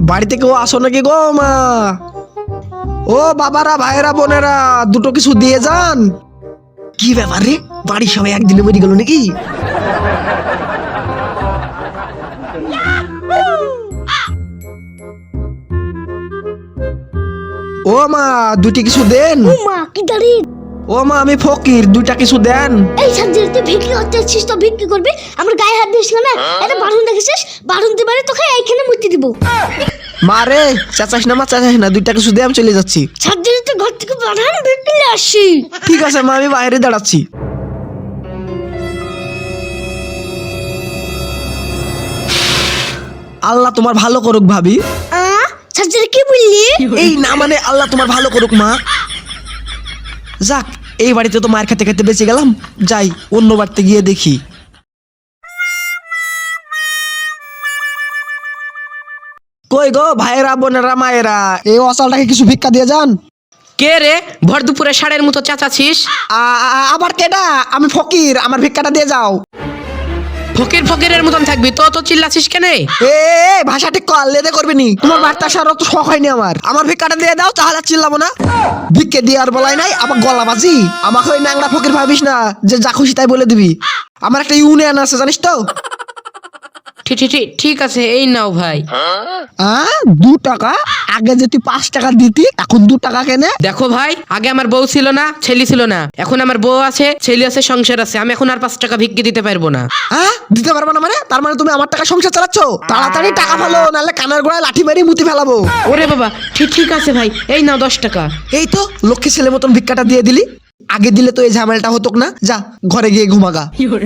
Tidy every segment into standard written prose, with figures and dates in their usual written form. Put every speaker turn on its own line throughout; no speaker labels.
বাড়িতে কেউ আসো নাকি গো মা? ও বাবারা, ভাইয়েরা, বোনেরা, দুটো কিছু দিয়ে যান। কি ব্যাপার রে, বাড়ির সবাই একদিনে বেরিয়ে গেল নাকি? ও মা, দুটি কিছু দেন।
ও মা কি দাঁড়িয়ে?
ও মা, আমি ফকির, দুইটা কিছু দেন।
এই সাবজেক্টে ভিক্ষি করতে আসছিস তো ভিক্ষি করবি, আমার গায়ে হাত দিস না। এটা বারণ দেখেছিস, বারণ দিবারে তোকে এইখানে মুক্তি দিব।
মা রে, চাচাস না মা, চাচাস না, দুইটা কিছু দে, আমি চলে যাচ্ছি।
সাবজেক্টে ঘর থেকে বারণ ভিক্ষি নিয়ে আসি।
ঠিক আছে মা, আমি বাইরে দাঁড়াচ্ছি। আল্লাহ তোমার ভালো করুক ভাবি।
সাবজেক্টে কি বললি?
এই না মানে আল্লাহ তোমার ভালো করুক মা। যাক, এই বাড়িতে তো মায়ের খেতে খেতে বেঁচে গেলাম, যাই অন্য বাড়িতে গিয়ে দেখি। কই গো ভাইয়েরা, বোনেরা, মায়েরা, এই অচলটাকে কিছু ভিক্ষা দিয়ে যান।
কে রে, ভর দুপুরে ষাঁড়ের মতো চাচাছিস?
আবার কেডা? আমি ফকির, আমার ভিক্ষাটা দিয়ে যাও।
ফকির ফকিরের মতন থাকবি তো, তো চিল্লাছিস কেন?
এ ভাষা ঠিক কর, লেদে করবি নি। তোমার বার্তা আসার অত শখ হয়নি আমার ভিক্ষাটা দিয়ে দাও, তাহলে চিল্লাবো না। ভিক্ষে দিয়ে আর বলাই নাই, আবার গলা বাজি। আমাকে ওই ন্যাংরা ফকির ভাবিস না যে যা খুশি তাই বলে দিবি। আমার একটা ইউনিয়ন আছে, জানিস তো?
ঠিক আছে, এই নাও ভাই।
2 টাকা? আগে যে তুই 5 টাকা দিতি, এখন 2 টাকা কেনে?
দেখো ভাই, আগে আমার বউ ছিল না, ছেলে ছিল না, এখন আমার বউ আছে, ছেলে আছে, সংসার আছে, আমি এখন আর 5 টাকা ভিক্ষে দিতে পারবো না।
দিতে পারবো না মানে? তার মানে তুমি আমার টাকা সংসার চালাচ্ছ? তাড়াতাড়ি টাকা ফেলো, নাহলে কানের গোড়ায় লাঠি মেরে মুতি ফেলাবো।
ওরে বাবা, ঠিক আছে ভাই, এই নাও 10 টাকা।
এই তো লক্ষ্মী ছেলে মতন ভিক্ষাটা দিয়ে দিলি। আগে দিলে তো এই ঝামেলাটা হতো না। যা ঘরে গিয়ে ঘুমাগা।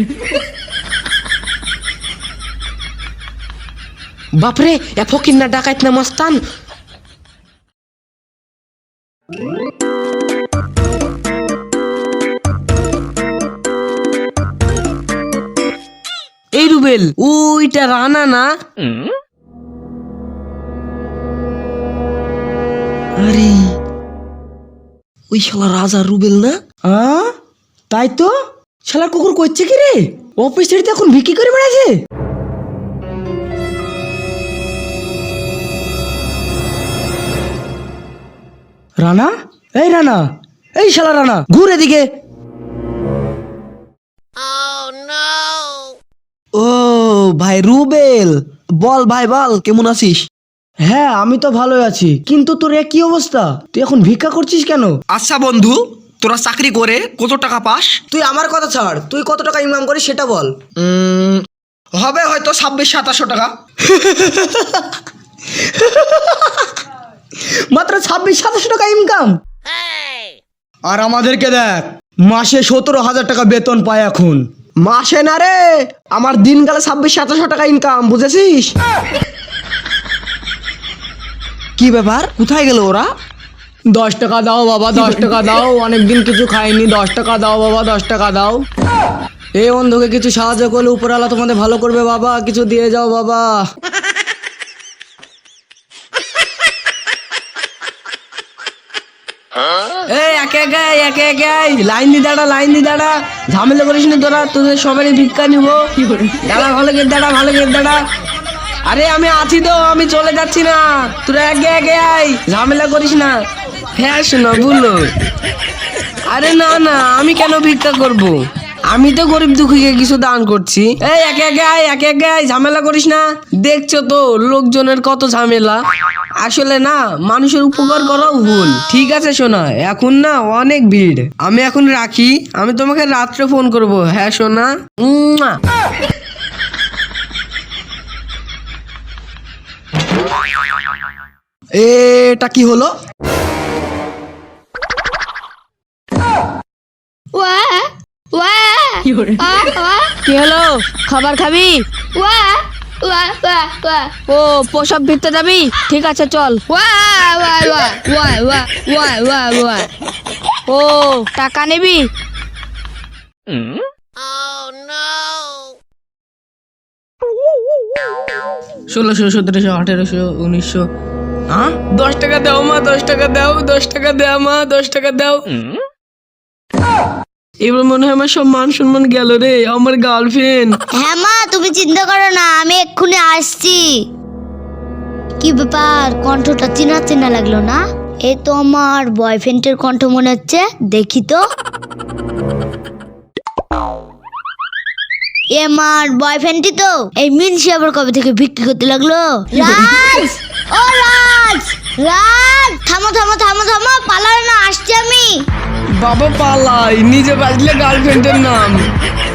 বাপরে, এ ফকির না ডাকাইত না মস্তান। এই রুবেল, ওইটা রানা না?
আরে ওই শালা রাজা রুবেল না? তাই তো। শালা কুকুর করছে কি রে? অফিস ছেড়ে এখন বিক্রি করে বেড়াচ্ছে। রানা, এই রানা, এই শালা রানা, ঘুর এদিকে। ও ভাই রুবেল, বল ভাই বল, কেমন আছিস? হ্যাঁ আমি তো ভালোই আছি, কিন্তু তোর কি অবস্থা? তুই এখন ভিক্ষা করছিস কেন? আচ্ছা বন্ধু, তোরা চাকরি করে কত টাকা পাস? তুই আমার কথা ছাড়, তুই কত টাকা ইনকাম করিস সেটা বল। হবে হয়তো 2600-2700 টাকা। মাত্র 2600-2700 টাকা ইনকাম? আর আমাদেরকে দেখ, মাসে 17,000 টাকা বেতন পায় এখন। মাসে না রে, আমার দিনকালে 2600-2700 টাকা ইনকাম, বুঝেছিস? কি ব্যাপার, কোথায় গেল ওরা?
10 টাকা দাও বাবা, 10 টাকা দাও, অনেকদিন কিছু খাইনি, 10 টাকা দাও বাবা, 10 টাকা দাও। এই অন্ধকে কিছু সাহায্য করলে উপরওয়ালা তোমাদের ভালো করবে বাবা, কিছু দিয়ে যাও বাবা। এই একে একে লাইন দি দাঁড়া, ঝামেলা করিস না তোরা, তোদের সবারই ভিক্ষা নিব। দাঁড়া, ভালো করে দাঁড়া। আরে আমি আছি তো, আমি চলে যাচ্ছি না, তোরা আগে আয়, ঝামেলা করিস না। হ্যাঁ শোনো বলো। আরে না, আমি কেন ভিক্ষা করব? আমি তো গরিব দুঃখীকে কিছু দান করছি। এই একে আয়, ঝামেলা করিস না। দেখছো তো লোকজনের কত ঝামেলা। আসলে না, মানুষের উপকার করাও ভুল। ঠিক আছে সোনা, এখন না অনেক ভিড়, আমি এখন রাখি, আমি তোমাকে রাত্রে ফোন করব। হ্যাঁ সোনা।
এটা কি হলো?
কি হলো, খাবার খাবি? ও প্রসব ভিড়তে যাবি? ঠিক আছে চল। ও টাকা নিবি?
1600, 1700, 1800, 1900। 10 টাকা দাও মা, 10 টাকা দাও, 10 টাকা দাও মা, 10 টাকা দাও। এবার মনে হয় আমার সব মান সম্মান গেল রে, আমার গার্লফ্রেন্ড।
হ্যাঁ মা, তুমি চিন্তা করো না, আমি এক্ষুনি আসছি। কি ব্যাপার, কণ্ঠটা চেনা চেনা লাগলো না? এ তো আমার বয়ফ্রেন্ডের কণ্ঠ মনে হচ্ছে, দেখি তো। এ আমার বয়ফ্রেন্ডই তো। এই মিনসি আবার কবে থেকে বিক্রি করতে লাগলো? রাজ, ও রাজ, রাজ, থামো থামো থামো থামো, পালাবে না, আসছি আমি।
বাবা পালাই, নিজে বাজলে গার্লফ্রেন্ডের নাম।